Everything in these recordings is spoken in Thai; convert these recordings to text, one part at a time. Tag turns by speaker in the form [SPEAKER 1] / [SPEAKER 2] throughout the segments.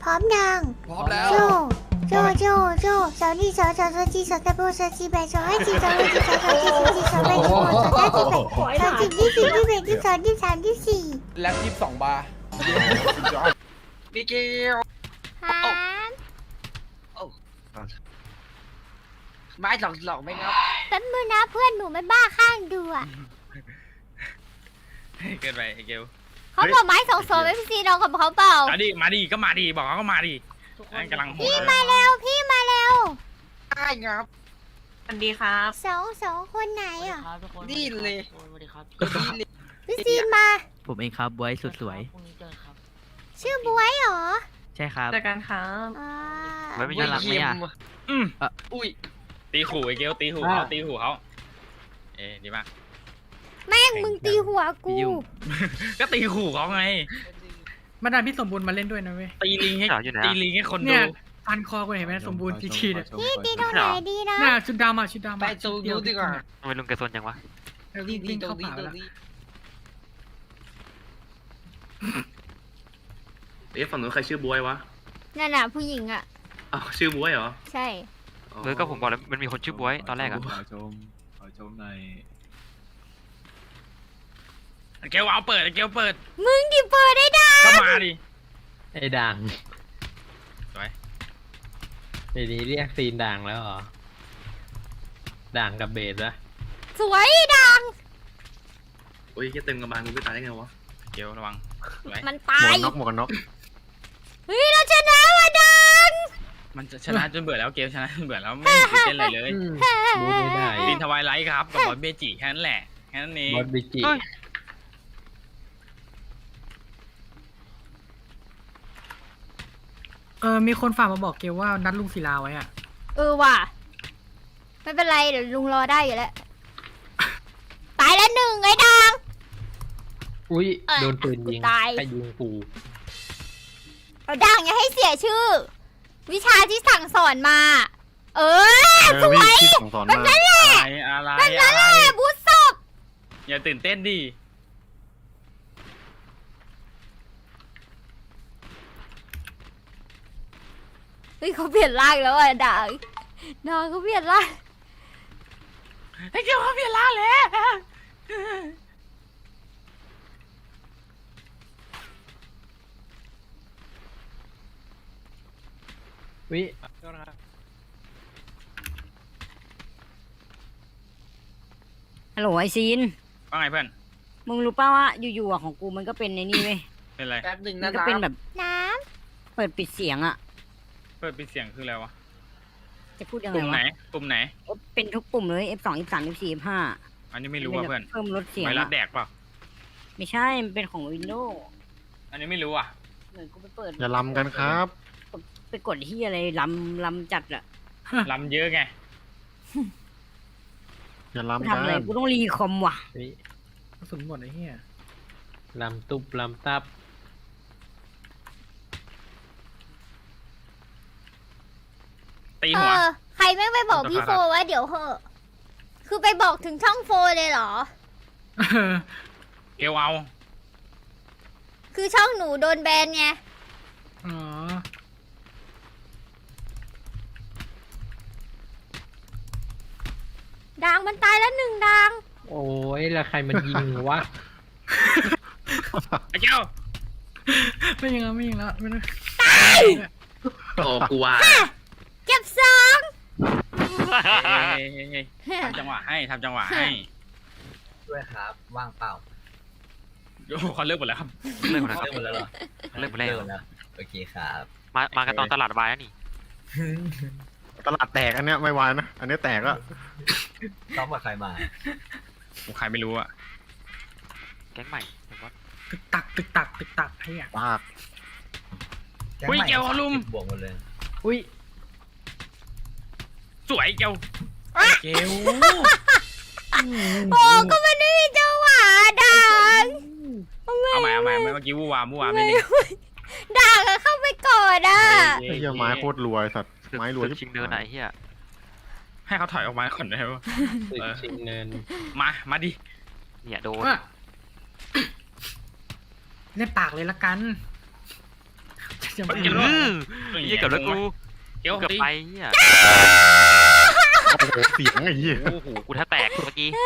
[SPEAKER 1] พร้อมยัง
[SPEAKER 2] พร้อมแล้ว
[SPEAKER 1] โจโจสาวนี่สาวจีสาวตะโบสาวจีแบสาวไอจีสาวไอจีสาวจีสาวจีสาวแบสาวสาวจีที่สี่ที่แปดที่สองที่สามที่สี่
[SPEAKER 2] แล็บ22 บาร์
[SPEAKER 3] มิเกล
[SPEAKER 1] ครับ
[SPEAKER 3] ไม้หลอกไหมครับ
[SPEAKER 1] แป๊บนึงนะเพื่อนหนูไม่บ้าข้างดูอ่ะ
[SPEAKER 4] เกินไปไอ้เกล
[SPEAKER 1] เขาบอกไม้2 2 FC น้องกับเขาเปล่า
[SPEAKER 4] มาดิก็มาดิบอกเขาก็มาดิกำลังโหด
[SPEAKER 1] พี่มาเร็วพี่มาเร็ว
[SPEAKER 3] ได้ครับ
[SPEAKER 5] สวัสดีครับ
[SPEAKER 1] สองคนไหนอ่ะ
[SPEAKER 3] นี่เลย
[SPEAKER 5] สวัสดีครับ
[SPEAKER 3] นี่เลย
[SPEAKER 1] พี่ซีนมา
[SPEAKER 6] ผมเองครับบวยสุดสวย
[SPEAKER 5] พรุ่งนี้เจอครับ
[SPEAKER 1] ชื่อบวยเหรอ
[SPEAKER 6] ใช่ครับ
[SPEAKER 5] เจอกันครับ
[SPEAKER 1] อ่า
[SPEAKER 6] ไม่เป็นน่ารักไหมอ่ะ
[SPEAKER 4] อืม
[SPEAKER 3] อุ้ย
[SPEAKER 4] ตีขู่ไอ้เกลตีขู่เขาตีขู่เขาดีมาก
[SPEAKER 1] แม่งมึงตีหัวกู
[SPEAKER 6] ยุ่ง
[SPEAKER 4] ก็ตีขู่เขาไง
[SPEAKER 7] มาดามพี่สมบูรณ์มาเล่นด้วยนะเว้ย
[SPEAKER 4] ตีลิงให้ตีลิงให้คน
[SPEAKER 7] เนี่
[SPEAKER 4] ดู
[SPEAKER 7] ยฟันคอกูเห็นไหมสมบูรณ์ทีเนี่ย
[SPEAKER 1] พี่ตีตรงไหนดีนะ
[SPEAKER 7] น่าชุดดำอ่ะชุดดำ
[SPEAKER 3] ไป
[SPEAKER 7] อ่ะ
[SPEAKER 3] ตูดูดีกว่า
[SPEAKER 6] ทำไมลุงแกซนจังวะ
[SPEAKER 7] วิ่ง
[SPEAKER 3] ดี
[SPEAKER 7] วิ่ง
[SPEAKER 3] ตร
[SPEAKER 7] เข้าง
[SPEAKER 3] นี้
[SPEAKER 7] ป่า
[SPEAKER 3] ตร
[SPEAKER 7] แล้ว
[SPEAKER 3] งนี้
[SPEAKER 8] ฝั่งนู้นใครชื่อบวยวะ
[SPEAKER 1] นั่นน่ะผู้หญิงอ่ะ
[SPEAKER 8] อ้าวชื่อบวยเหรอ
[SPEAKER 1] ใช่
[SPEAKER 6] เออก็ผมบอกแล้วมันมีคนชื่อบวยตอนแรกอะ
[SPEAKER 8] ขอชมใน
[SPEAKER 4] เกลเอาเปิดเกลเปิด
[SPEAKER 1] มึงดิเปิดได้ดัง
[SPEAKER 4] ก็มาดิ
[SPEAKER 9] ไอ้ด่าง
[SPEAKER 4] สวย
[SPEAKER 9] เดี๋ยวนี้เรียกซีนด่างแล้วเหรอ ด่างกับเบสอะ
[SPEAKER 1] สวยดัง
[SPEAKER 8] โอ้ยแค่เต็มกระบาลกูไปตายได้ไงวะ
[SPEAKER 4] เกลระวังสวย
[SPEAKER 1] มันตาย
[SPEAKER 8] หมวกกันน็อก
[SPEAKER 1] เฮ้ยเราชนะว่ะดัง
[SPEAKER 4] มันชนะจนเบื่อแล้วเกลชนะจนเบื่อแล้วไม่ตื่นเต้นอะไรเลย
[SPEAKER 9] บูไม่ได้
[SPEAKER 4] ลินทวายไลท์ครับกับบอสเบจิแค่นั้นแหละแค่นั้นเอง
[SPEAKER 9] บอสบิจิ
[SPEAKER 7] มีคนฝากมาบอกเกลว่านัดลุงศิลาไว้อ่ะ
[SPEAKER 1] ว่ะไม่เป็นไรเดี๋ยวลุงรอได้อยู่แล้วตายแล้วหนึ่งไอ้ดัง
[SPEAKER 9] อุ้ยโดนปืนยิง
[SPEAKER 1] ตาย
[SPEAKER 9] ใครยิงกู
[SPEAKER 1] เอาดังอย่าให้เสียชื่อ วิชาที่สั่งสอนมา สวย
[SPEAKER 8] แบบนั้นแหละ
[SPEAKER 4] อะไร
[SPEAKER 1] บูสศพ
[SPEAKER 4] อย่าตื่นเต้นดิ
[SPEAKER 1] เฮ้ยเขาเปลี่ยนร่างแล้วอ่ะดังน้องเขาเปลี่ยนร่าง
[SPEAKER 4] ไอ้เกลเขาเปลี่ยนร่างแล้ว
[SPEAKER 9] วิ
[SPEAKER 5] ฮัลโหลไอซีน
[SPEAKER 4] ว่าไงเพื่อน
[SPEAKER 5] มึงรู้ป่าวว่าอยู่ๆอะของกูมันก็เป็นในนี่เว้ย
[SPEAKER 4] เป็นไร
[SPEAKER 3] แป๊บหนึ่ง
[SPEAKER 5] มั
[SPEAKER 3] นะ
[SPEAKER 5] นก็เป็นแบบ
[SPEAKER 1] น้
[SPEAKER 5] เปิดปิดเสียงอะ
[SPEAKER 4] เปิดปิดเสียงคืออะไรวะ
[SPEAKER 5] จะพูดยัง
[SPEAKER 4] ก
[SPEAKER 5] ไง
[SPEAKER 4] ลุ่มไหน
[SPEAKER 5] วะ
[SPEAKER 4] กลุ่มไหน
[SPEAKER 5] เป็นทุกปุ่มเลย F2 F3 F4 F5
[SPEAKER 4] อันนี้ไม่รู้อ่ะเพื่อน
[SPEAKER 5] เพิ่มลดเสียง
[SPEAKER 4] ไวรัส
[SPEAKER 5] อะ
[SPEAKER 4] แดกเปล่า
[SPEAKER 5] ไม่ใช่ มันเป็นของ Windows
[SPEAKER 4] อันนี้ไม่รู้อ่ะ
[SPEAKER 5] เหมือนกูไปเปิด
[SPEAKER 8] อย่าลำกันครับ
[SPEAKER 5] ไปกดที่อะไรลำจัดอะ
[SPEAKER 4] ลำเยอะไง
[SPEAKER 8] อย่า
[SPEAKER 5] กู
[SPEAKER 8] ลำ
[SPEAKER 5] ทำอะไร
[SPEAKER 8] กัน
[SPEAKER 5] กูต้องรีคอมว่ะ
[SPEAKER 9] วิ
[SPEAKER 7] กระสุนหมดไอ้เหี้ย
[SPEAKER 9] ลำตุบลำตับ
[SPEAKER 4] ตี
[SPEAKER 1] ำ
[SPEAKER 4] หัว
[SPEAKER 1] ใครไม่งไปบอกพี่โฟว่าเดี๋ยวเหอะ คือไปบอกถึงช่องโฟเลยเหรอ
[SPEAKER 4] เกลเอา
[SPEAKER 1] คือช่องหนูโดนแบนไง
[SPEAKER 7] อ๋อ
[SPEAKER 1] ดังมันตายแล้วหนึ่งดัง
[SPEAKER 9] โอ้ยแล้วใครมันยิงวะ
[SPEAKER 4] ไอ้เกล
[SPEAKER 7] ไม่ยิงแล้วไม่ยิงแล้วไม่ได้
[SPEAKER 8] โอ้กูว่า
[SPEAKER 1] เก็บสอง
[SPEAKER 4] ทำจังหวะให้ทำจังหวะให้
[SPEAKER 3] ด้วยครับว่างเปล่า
[SPEAKER 4] โอ้โหเขาเลิกหมดแล้วครับ
[SPEAKER 6] เลิกหมดแล้วครับ
[SPEAKER 3] หมดแล้วเหรอ
[SPEAKER 6] เลิกหมดแล้ว
[SPEAKER 3] แล้วโอเคครับ
[SPEAKER 6] มากันตอนตลาดวายแล้วนี่
[SPEAKER 8] ตลาดแตกอันเนี้ยไม่วายนะ อันนี้แตกแล้ว
[SPEAKER 3] ซ้อมกับใครมา
[SPEAKER 4] ใครไม่รู้อ่ะ
[SPEAKER 6] แก๊งใหม่เห็นปะ
[SPEAKER 7] ตึกตักตึกตักตึกตักไอ้เหี้ย
[SPEAKER 8] ปาก
[SPEAKER 4] อุ้ยเกลเขาลุม
[SPEAKER 3] บวกหมดเลย
[SPEAKER 9] อุ้ย
[SPEAKER 4] สวยเกลเกล
[SPEAKER 1] โอ้ก็มันไม่มีจังหวะดัง
[SPEAKER 4] เอาใหม่เมื่อกี้วูวามไม่ได้
[SPEAKER 1] ดังอะเข้าไปก่อนอ่ะ
[SPEAKER 8] ไอ้เหี้ยไม้โคตรรวยสัตว์ ไม้รวย
[SPEAKER 6] ศึกชิงเนินไหนเฮีย
[SPEAKER 4] ให้เขาถอยออกมาก่อนได้ไหม
[SPEAKER 9] ตึกชิงเนิน
[SPEAKER 4] มาดิ
[SPEAKER 6] เนี่ยโดน
[SPEAKER 7] ว่าเล่นปากเลยละกันจะมา
[SPEAKER 4] เกล
[SPEAKER 6] เหี้ยเกับแล้วกู
[SPEAKER 4] เกล
[SPEAKER 6] เกือบ
[SPEAKER 4] ตี
[SPEAKER 6] ไปเหี้ย
[SPEAKER 8] โอ้โหเสียงไอ้เหี้ย
[SPEAKER 6] โอ้โหกูแทบแตกเมื่อกี้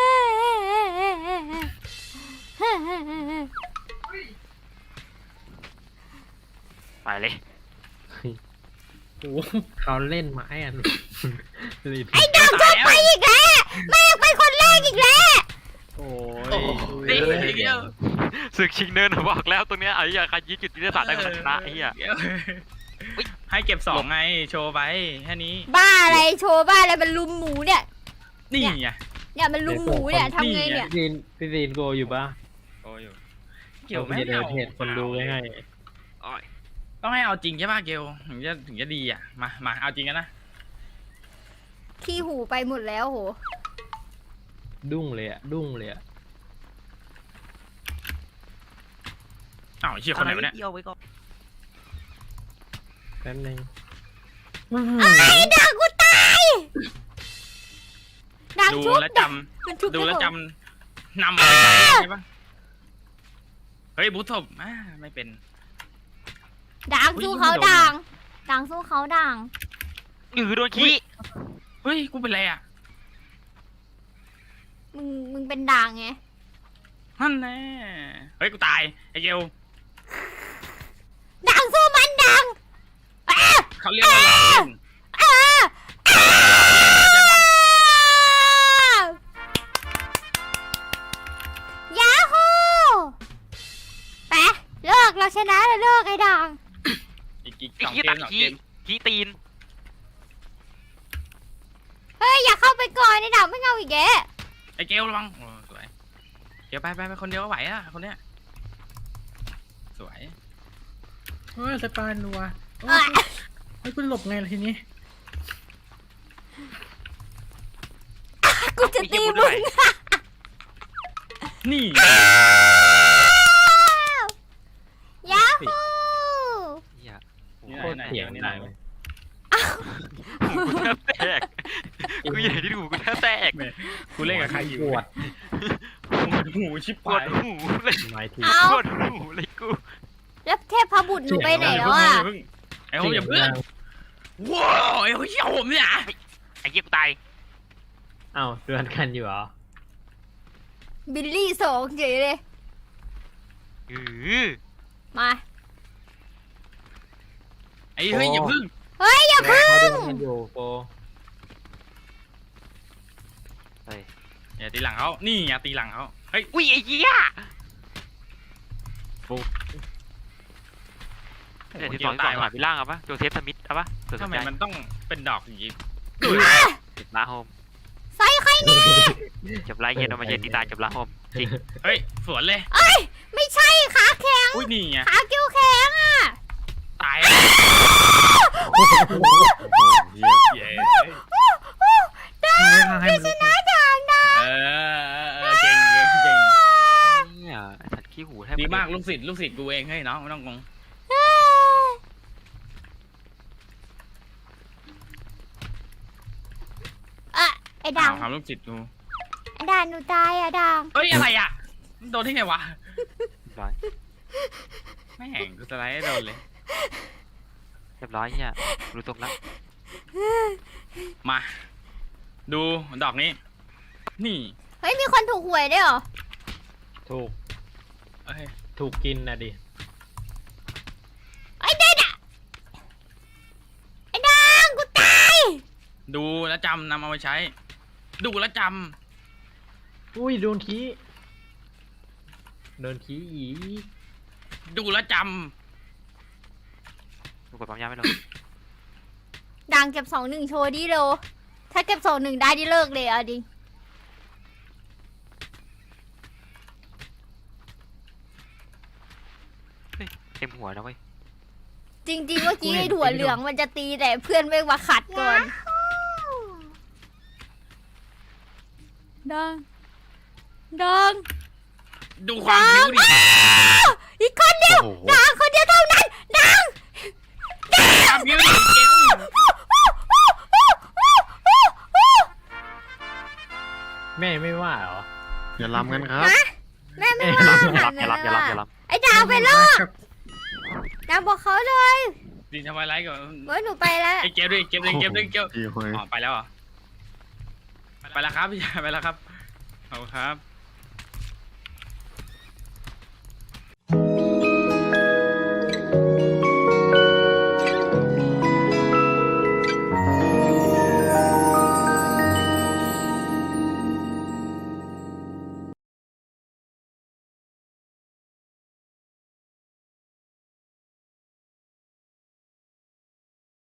[SPEAKER 6] ไปเลย
[SPEAKER 7] โอ้โห
[SPEAKER 9] เขาเล่นไม้อ่ะ
[SPEAKER 5] ไอ้ดำชอบไปอีกแล้วแม่งไปคนแรกอีกแล้ว
[SPEAKER 9] โอ้
[SPEAKER 4] ตี
[SPEAKER 9] ย
[SPEAKER 4] เกล
[SPEAKER 6] ศึกชิงเนินบอกแล้วตรงเนี้ยไอ้เหี้ยใครยึดจุดยุทธศาสตร์ได้คนชนะไอ้เหี้ย
[SPEAKER 4] เกลให้เก็บ2ไงโชว์ไปแค่นี้
[SPEAKER 1] บ้าอะไรโชว์บ้าอะไรมันลุมหมูเนี่ย
[SPEAKER 4] นี่ไง
[SPEAKER 1] เนี่ยมันลุมหมูเนี่ยทำไงเนี่ย
[SPEAKER 9] พี่ซีนโกอยู่ปะ
[SPEAKER 4] โอ้อยู่เก
[SPEAKER 9] เกี่
[SPEAKER 4] ล
[SPEAKER 9] ยว
[SPEAKER 4] ไม่
[SPEAKER 9] ไม่ได้
[SPEAKER 4] เอา
[SPEAKER 9] เหตุคนดูง่าย
[SPEAKER 6] อ้อย
[SPEAKER 4] ต้องให้เอาจริงใช่ป่ะเกลถึงจะดีอ่ะมาเอาจริงกันนะ
[SPEAKER 1] ขี้หูไปหมดแล้วโห
[SPEAKER 9] ๆดุ้งเลยอ่ะดุ้งเลยอ่ะ
[SPEAKER 4] อ้าวเชี่ยคนไหนวะเนี่ย
[SPEAKER 6] เอาไว้ก่อน
[SPEAKER 9] แป๊บนึง
[SPEAKER 1] ไอ้ด่างกูตายด่าง
[SPEAKER 4] ดู
[SPEAKER 1] ชุบ
[SPEAKER 4] แล้วจ
[SPEAKER 1] มันชุบ
[SPEAKER 4] ำดูแล้ว
[SPEAKER 1] ไม่
[SPEAKER 4] จ
[SPEAKER 1] ออก
[SPEAKER 4] ำนำอะไรไปใช่ปะเฮ้ยบุษบไม่เป็น
[SPEAKER 1] ด่าง
[SPEAKER 4] อุ๊ย
[SPEAKER 1] สู้เขา
[SPEAKER 4] ไม่โดน
[SPEAKER 1] ด่างด่างสู้เขาด่าง
[SPEAKER 6] โดนขี้
[SPEAKER 4] เฮ้ยกูเป็นไรอ่ะ
[SPEAKER 1] มึงเป็นด่างไง
[SPEAKER 4] นั่นแน่เฮ้ยกูตายไอ้เกล
[SPEAKER 1] ด่างสู้มันด่างอ่ะ
[SPEAKER 4] เขาเรียกว่าหลอกเล่น
[SPEAKER 1] อ่ะ
[SPEAKER 4] เข้าใจปะ
[SPEAKER 1] ยาฮูไปเลิกเราชนะแล้วเลิกไอ้ด่าง
[SPEAKER 4] อีก
[SPEAKER 6] ไอ้
[SPEAKER 4] 2
[SPEAKER 6] ขี้
[SPEAKER 4] เก
[SPEAKER 6] ตั
[SPEAKER 4] ม
[SPEAKER 6] ด
[SPEAKER 4] 2
[SPEAKER 6] ขี้
[SPEAKER 4] เกม
[SPEAKER 6] ขี้ตีน
[SPEAKER 1] เฮ้ยอย่าเข้าไปก่อนไอ้ด่างไม่เอาอีกแก
[SPEAKER 4] ไอ้เกลระวังโอ้สวยเกลไปคนเดียวก็ไหวอะคนเนี้ยสวย
[SPEAKER 7] เฮ้ยสปานนัวโอ้ยเฮ้ยกูหลบไงล่ะทีนี้
[SPEAKER 1] กูจะตีมึง
[SPEAKER 4] นี่
[SPEAKER 1] ยาฮู
[SPEAKER 6] เหี้ย
[SPEAKER 4] นี่
[SPEAKER 9] โคตร
[SPEAKER 4] ไหน
[SPEAKER 9] เสียง
[SPEAKER 4] นี่
[SPEAKER 9] ดัง
[SPEAKER 4] ไหน
[SPEAKER 9] เลย
[SPEAKER 6] กูแทบแตกกูใหญ่ที่ดูกูแทบแตก
[SPEAKER 4] กูเล่นกับใครอยู่
[SPEAKER 9] ปวด
[SPEAKER 4] หูชิบ
[SPEAKER 6] ปว
[SPEAKER 4] หา
[SPEAKER 6] ด
[SPEAKER 4] ย
[SPEAKER 6] หูเลย
[SPEAKER 9] ไม้ที
[SPEAKER 1] เอา
[SPEAKER 6] ปวดหูเลยกู
[SPEAKER 1] แล้วเทพพบุตรหนูไปไหนแล้วอ่ะ
[SPEAKER 4] ไอ้โหอย่าเพิ่งว้าวไอ้โหเชี่ยผมเนี่ย
[SPEAKER 6] ไอ้เหี้ยกูตาย
[SPEAKER 9] เอ้าเดือนกันอยู่เหรอ
[SPEAKER 1] บิลลี่สองเฉยเลย มา
[SPEAKER 4] ไอ้เฮ้ยอย่าเพิ่ง
[SPEAKER 1] เฮ้ยอย่าพึ่ง
[SPEAKER 9] เขาเดือนกันอยู่โป
[SPEAKER 4] อย่าตีหลังเขานี่อย่าตีหลังเขาเฮ้ย
[SPEAKER 6] อุ้ยไอ้เหี้ยเดี๋ยวที่สองหาพี่ล่างเอาปะโจเซฟสมิธเอาปะเกิดส
[SPEAKER 4] ทำ
[SPEAKER 6] น
[SPEAKER 4] ไม
[SPEAKER 6] ใจ
[SPEAKER 4] มันต้องเป็นดอกอย่างนี้
[SPEAKER 6] ลาโฮม
[SPEAKER 1] ใส่ใครเนี่ย
[SPEAKER 6] จบไล่เย็นเอามาเย็นตีตายจบลาโฮมจริง
[SPEAKER 4] เฮ้ยสวนเลย
[SPEAKER 1] ไม่ใช่ขาแข็ง
[SPEAKER 4] อุ้ยนี่ไง
[SPEAKER 1] ขาเกี้ยวแข็งอ่ะ
[SPEAKER 4] ตาย เย้
[SPEAKER 7] ไม่ทางให้มันลุก
[SPEAKER 1] ด่างด่าง
[SPEAKER 4] เก่งเลยเก่ง
[SPEAKER 6] เนี่ยไอ้สัตว์ขี้หูแทบ
[SPEAKER 4] ดีมากลูกศิษย์กูเองเฮ้ยน้องไม่ต้องงง
[SPEAKER 1] อ่ะไอ้ด่าง
[SPEAKER 4] ทำลูกศิษย์กู
[SPEAKER 1] ไอ้ด่างหนูตายอ่ะด่าง
[SPEAKER 4] เฮ้ยอะไรอ่ะโดนที่ไงวะ
[SPEAKER 6] ร้อย
[SPEAKER 4] แม่งกูสไลด์ให้โดนเลย
[SPEAKER 6] เรียบร้อยเนี่ยรู้ตรงแล้ว
[SPEAKER 4] มา ดูดอกนี้ นี่
[SPEAKER 1] เฮ้ยมีคนถูกหวยด้วยเหรอ
[SPEAKER 9] ถูก
[SPEAKER 4] เอ้ย
[SPEAKER 9] ถูกกินนะดิ
[SPEAKER 1] ไอ้เด็ดอ่ะไอ้ด่างกูตาย
[SPEAKER 4] ดูแล้วจำนำเอาไปใช้ ดูแล้วจ
[SPEAKER 9] อุ้ยโดนขี้โดนขี้อี
[SPEAKER 4] ำดูแล้วจ
[SPEAKER 6] ดูกดปั๊มยาไม่ลง
[SPEAKER 1] ด่างเก็บ2-1โชว์ดิโลถ้าเก็บ2-1ได้ดิเลิกเลยอ่ะดิ
[SPEAKER 6] เต็มหัวนะเว้ย
[SPEAKER 1] จริงๆเมื่อกี้ไอ้ถั่วเหลืองมันจะตีแต่เพื่อนไม่มาขัดก่อนดังดัง
[SPEAKER 4] ำดูความผิวดิ
[SPEAKER 1] อีกคนเดียว
[SPEAKER 8] โอ้โห
[SPEAKER 1] ดังคนเดียวเท่านั้นดัง
[SPEAKER 4] ความผิวดิเกล
[SPEAKER 9] แม่ไม่ว่าเหรอ
[SPEAKER 8] อย่าลำกันครับ
[SPEAKER 1] แม่ไม่ว่า
[SPEAKER 6] อย่า
[SPEAKER 1] ค่ะ
[SPEAKER 6] รับอย่ารับอย่ารับอย่ารับ
[SPEAKER 1] ไอ้ดาวไปรอด
[SPEAKER 5] นางบอกเขาเลย
[SPEAKER 4] ดินทำอะไรก่อน
[SPEAKER 5] เว้ยหนูไปแล้ว
[SPEAKER 4] ไอ้เก็บด้วยเก็บด้วยเก็บด้วยเก็บ
[SPEAKER 8] พี่หอย
[SPEAKER 4] อ๋อไปแล้วเหรอไปแล้วครับพี่ชายไปแล้วครับขอบคุณครับ